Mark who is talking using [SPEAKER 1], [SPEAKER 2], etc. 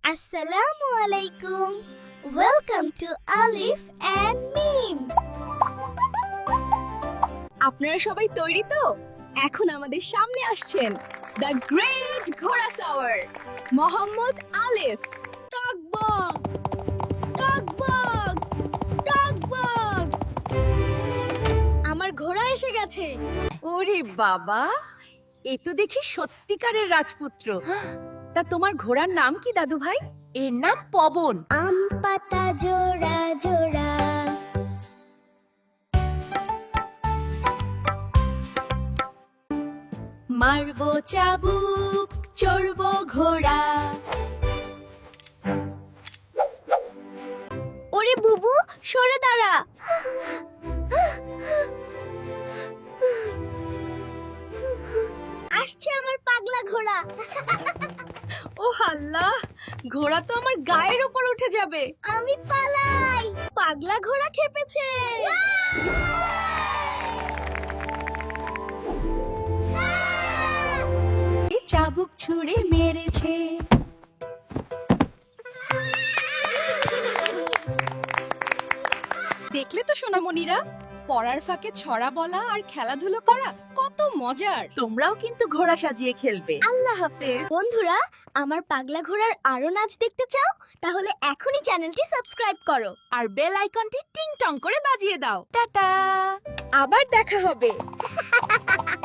[SPEAKER 1] আসসালামু আলাইকুম। Welcome to Alif and Mim.
[SPEAKER 2] আপনারা সবাই তৈরি তো? এখন আমাদের সামনে আসছেন দ্য গ্রেট ঘোড়া সাওয়ার মোহাম্মদ আলিফ। টকবক টকবক টকবক।
[SPEAKER 1] আমার ঘোড়া এসে গেছে।
[SPEAKER 2] ওরে বাবা, এ তো দেখি সত্যিকারের রাজপুত্র। তা তোমার ঘোড়ার নাম কি দাদু ভাই?
[SPEAKER 3] এর নাম পবন।
[SPEAKER 1] আম পাতা জোড়া জোড়া,
[SPEAKER 2] মারবো চাবুক, চড়বো ঘোড়া।
[SPEAKER 1] ওরে বুবু, সরে দাঁড়া। আসছে আমার পাগলা ঘোড়া।
[SPEAKER 2] ও আল্লাহ, ঘোড়া তো আমার গায়ের উপর উঠে যাবে।
[SPEAKER 1] আমি পালাই।
[SPEAKER 2] পাগলা ঘোড়া খেপেছে। চাবুক ছুঁড়ে মেরেছে। দেখলে তো সোনামণিরা, পড়ার ফাঁকে ছড়া বলা আর খেলাধুলো করা কত মজার।
[SPEAKER 3] তোমরাও কিন্তু ঘোড়া সাজিয়ে খেলবে।
[SPEAKER 2] আল্লাহ হাফেজ।
[SPEAKER 1] বন্ধুরা, আমার পাগলা ঘোড়ার আরো নাচ দেখতে চাও? তাহলে এখনই চ্যানেলটি সাবস্ক্রাইব করো।
[SPEAKER 3] আর বেল আইকনটি টিং টং করে বাজিয়ে দাও।
[SPEAKER 2] টাটা, আবার দেখা হবে।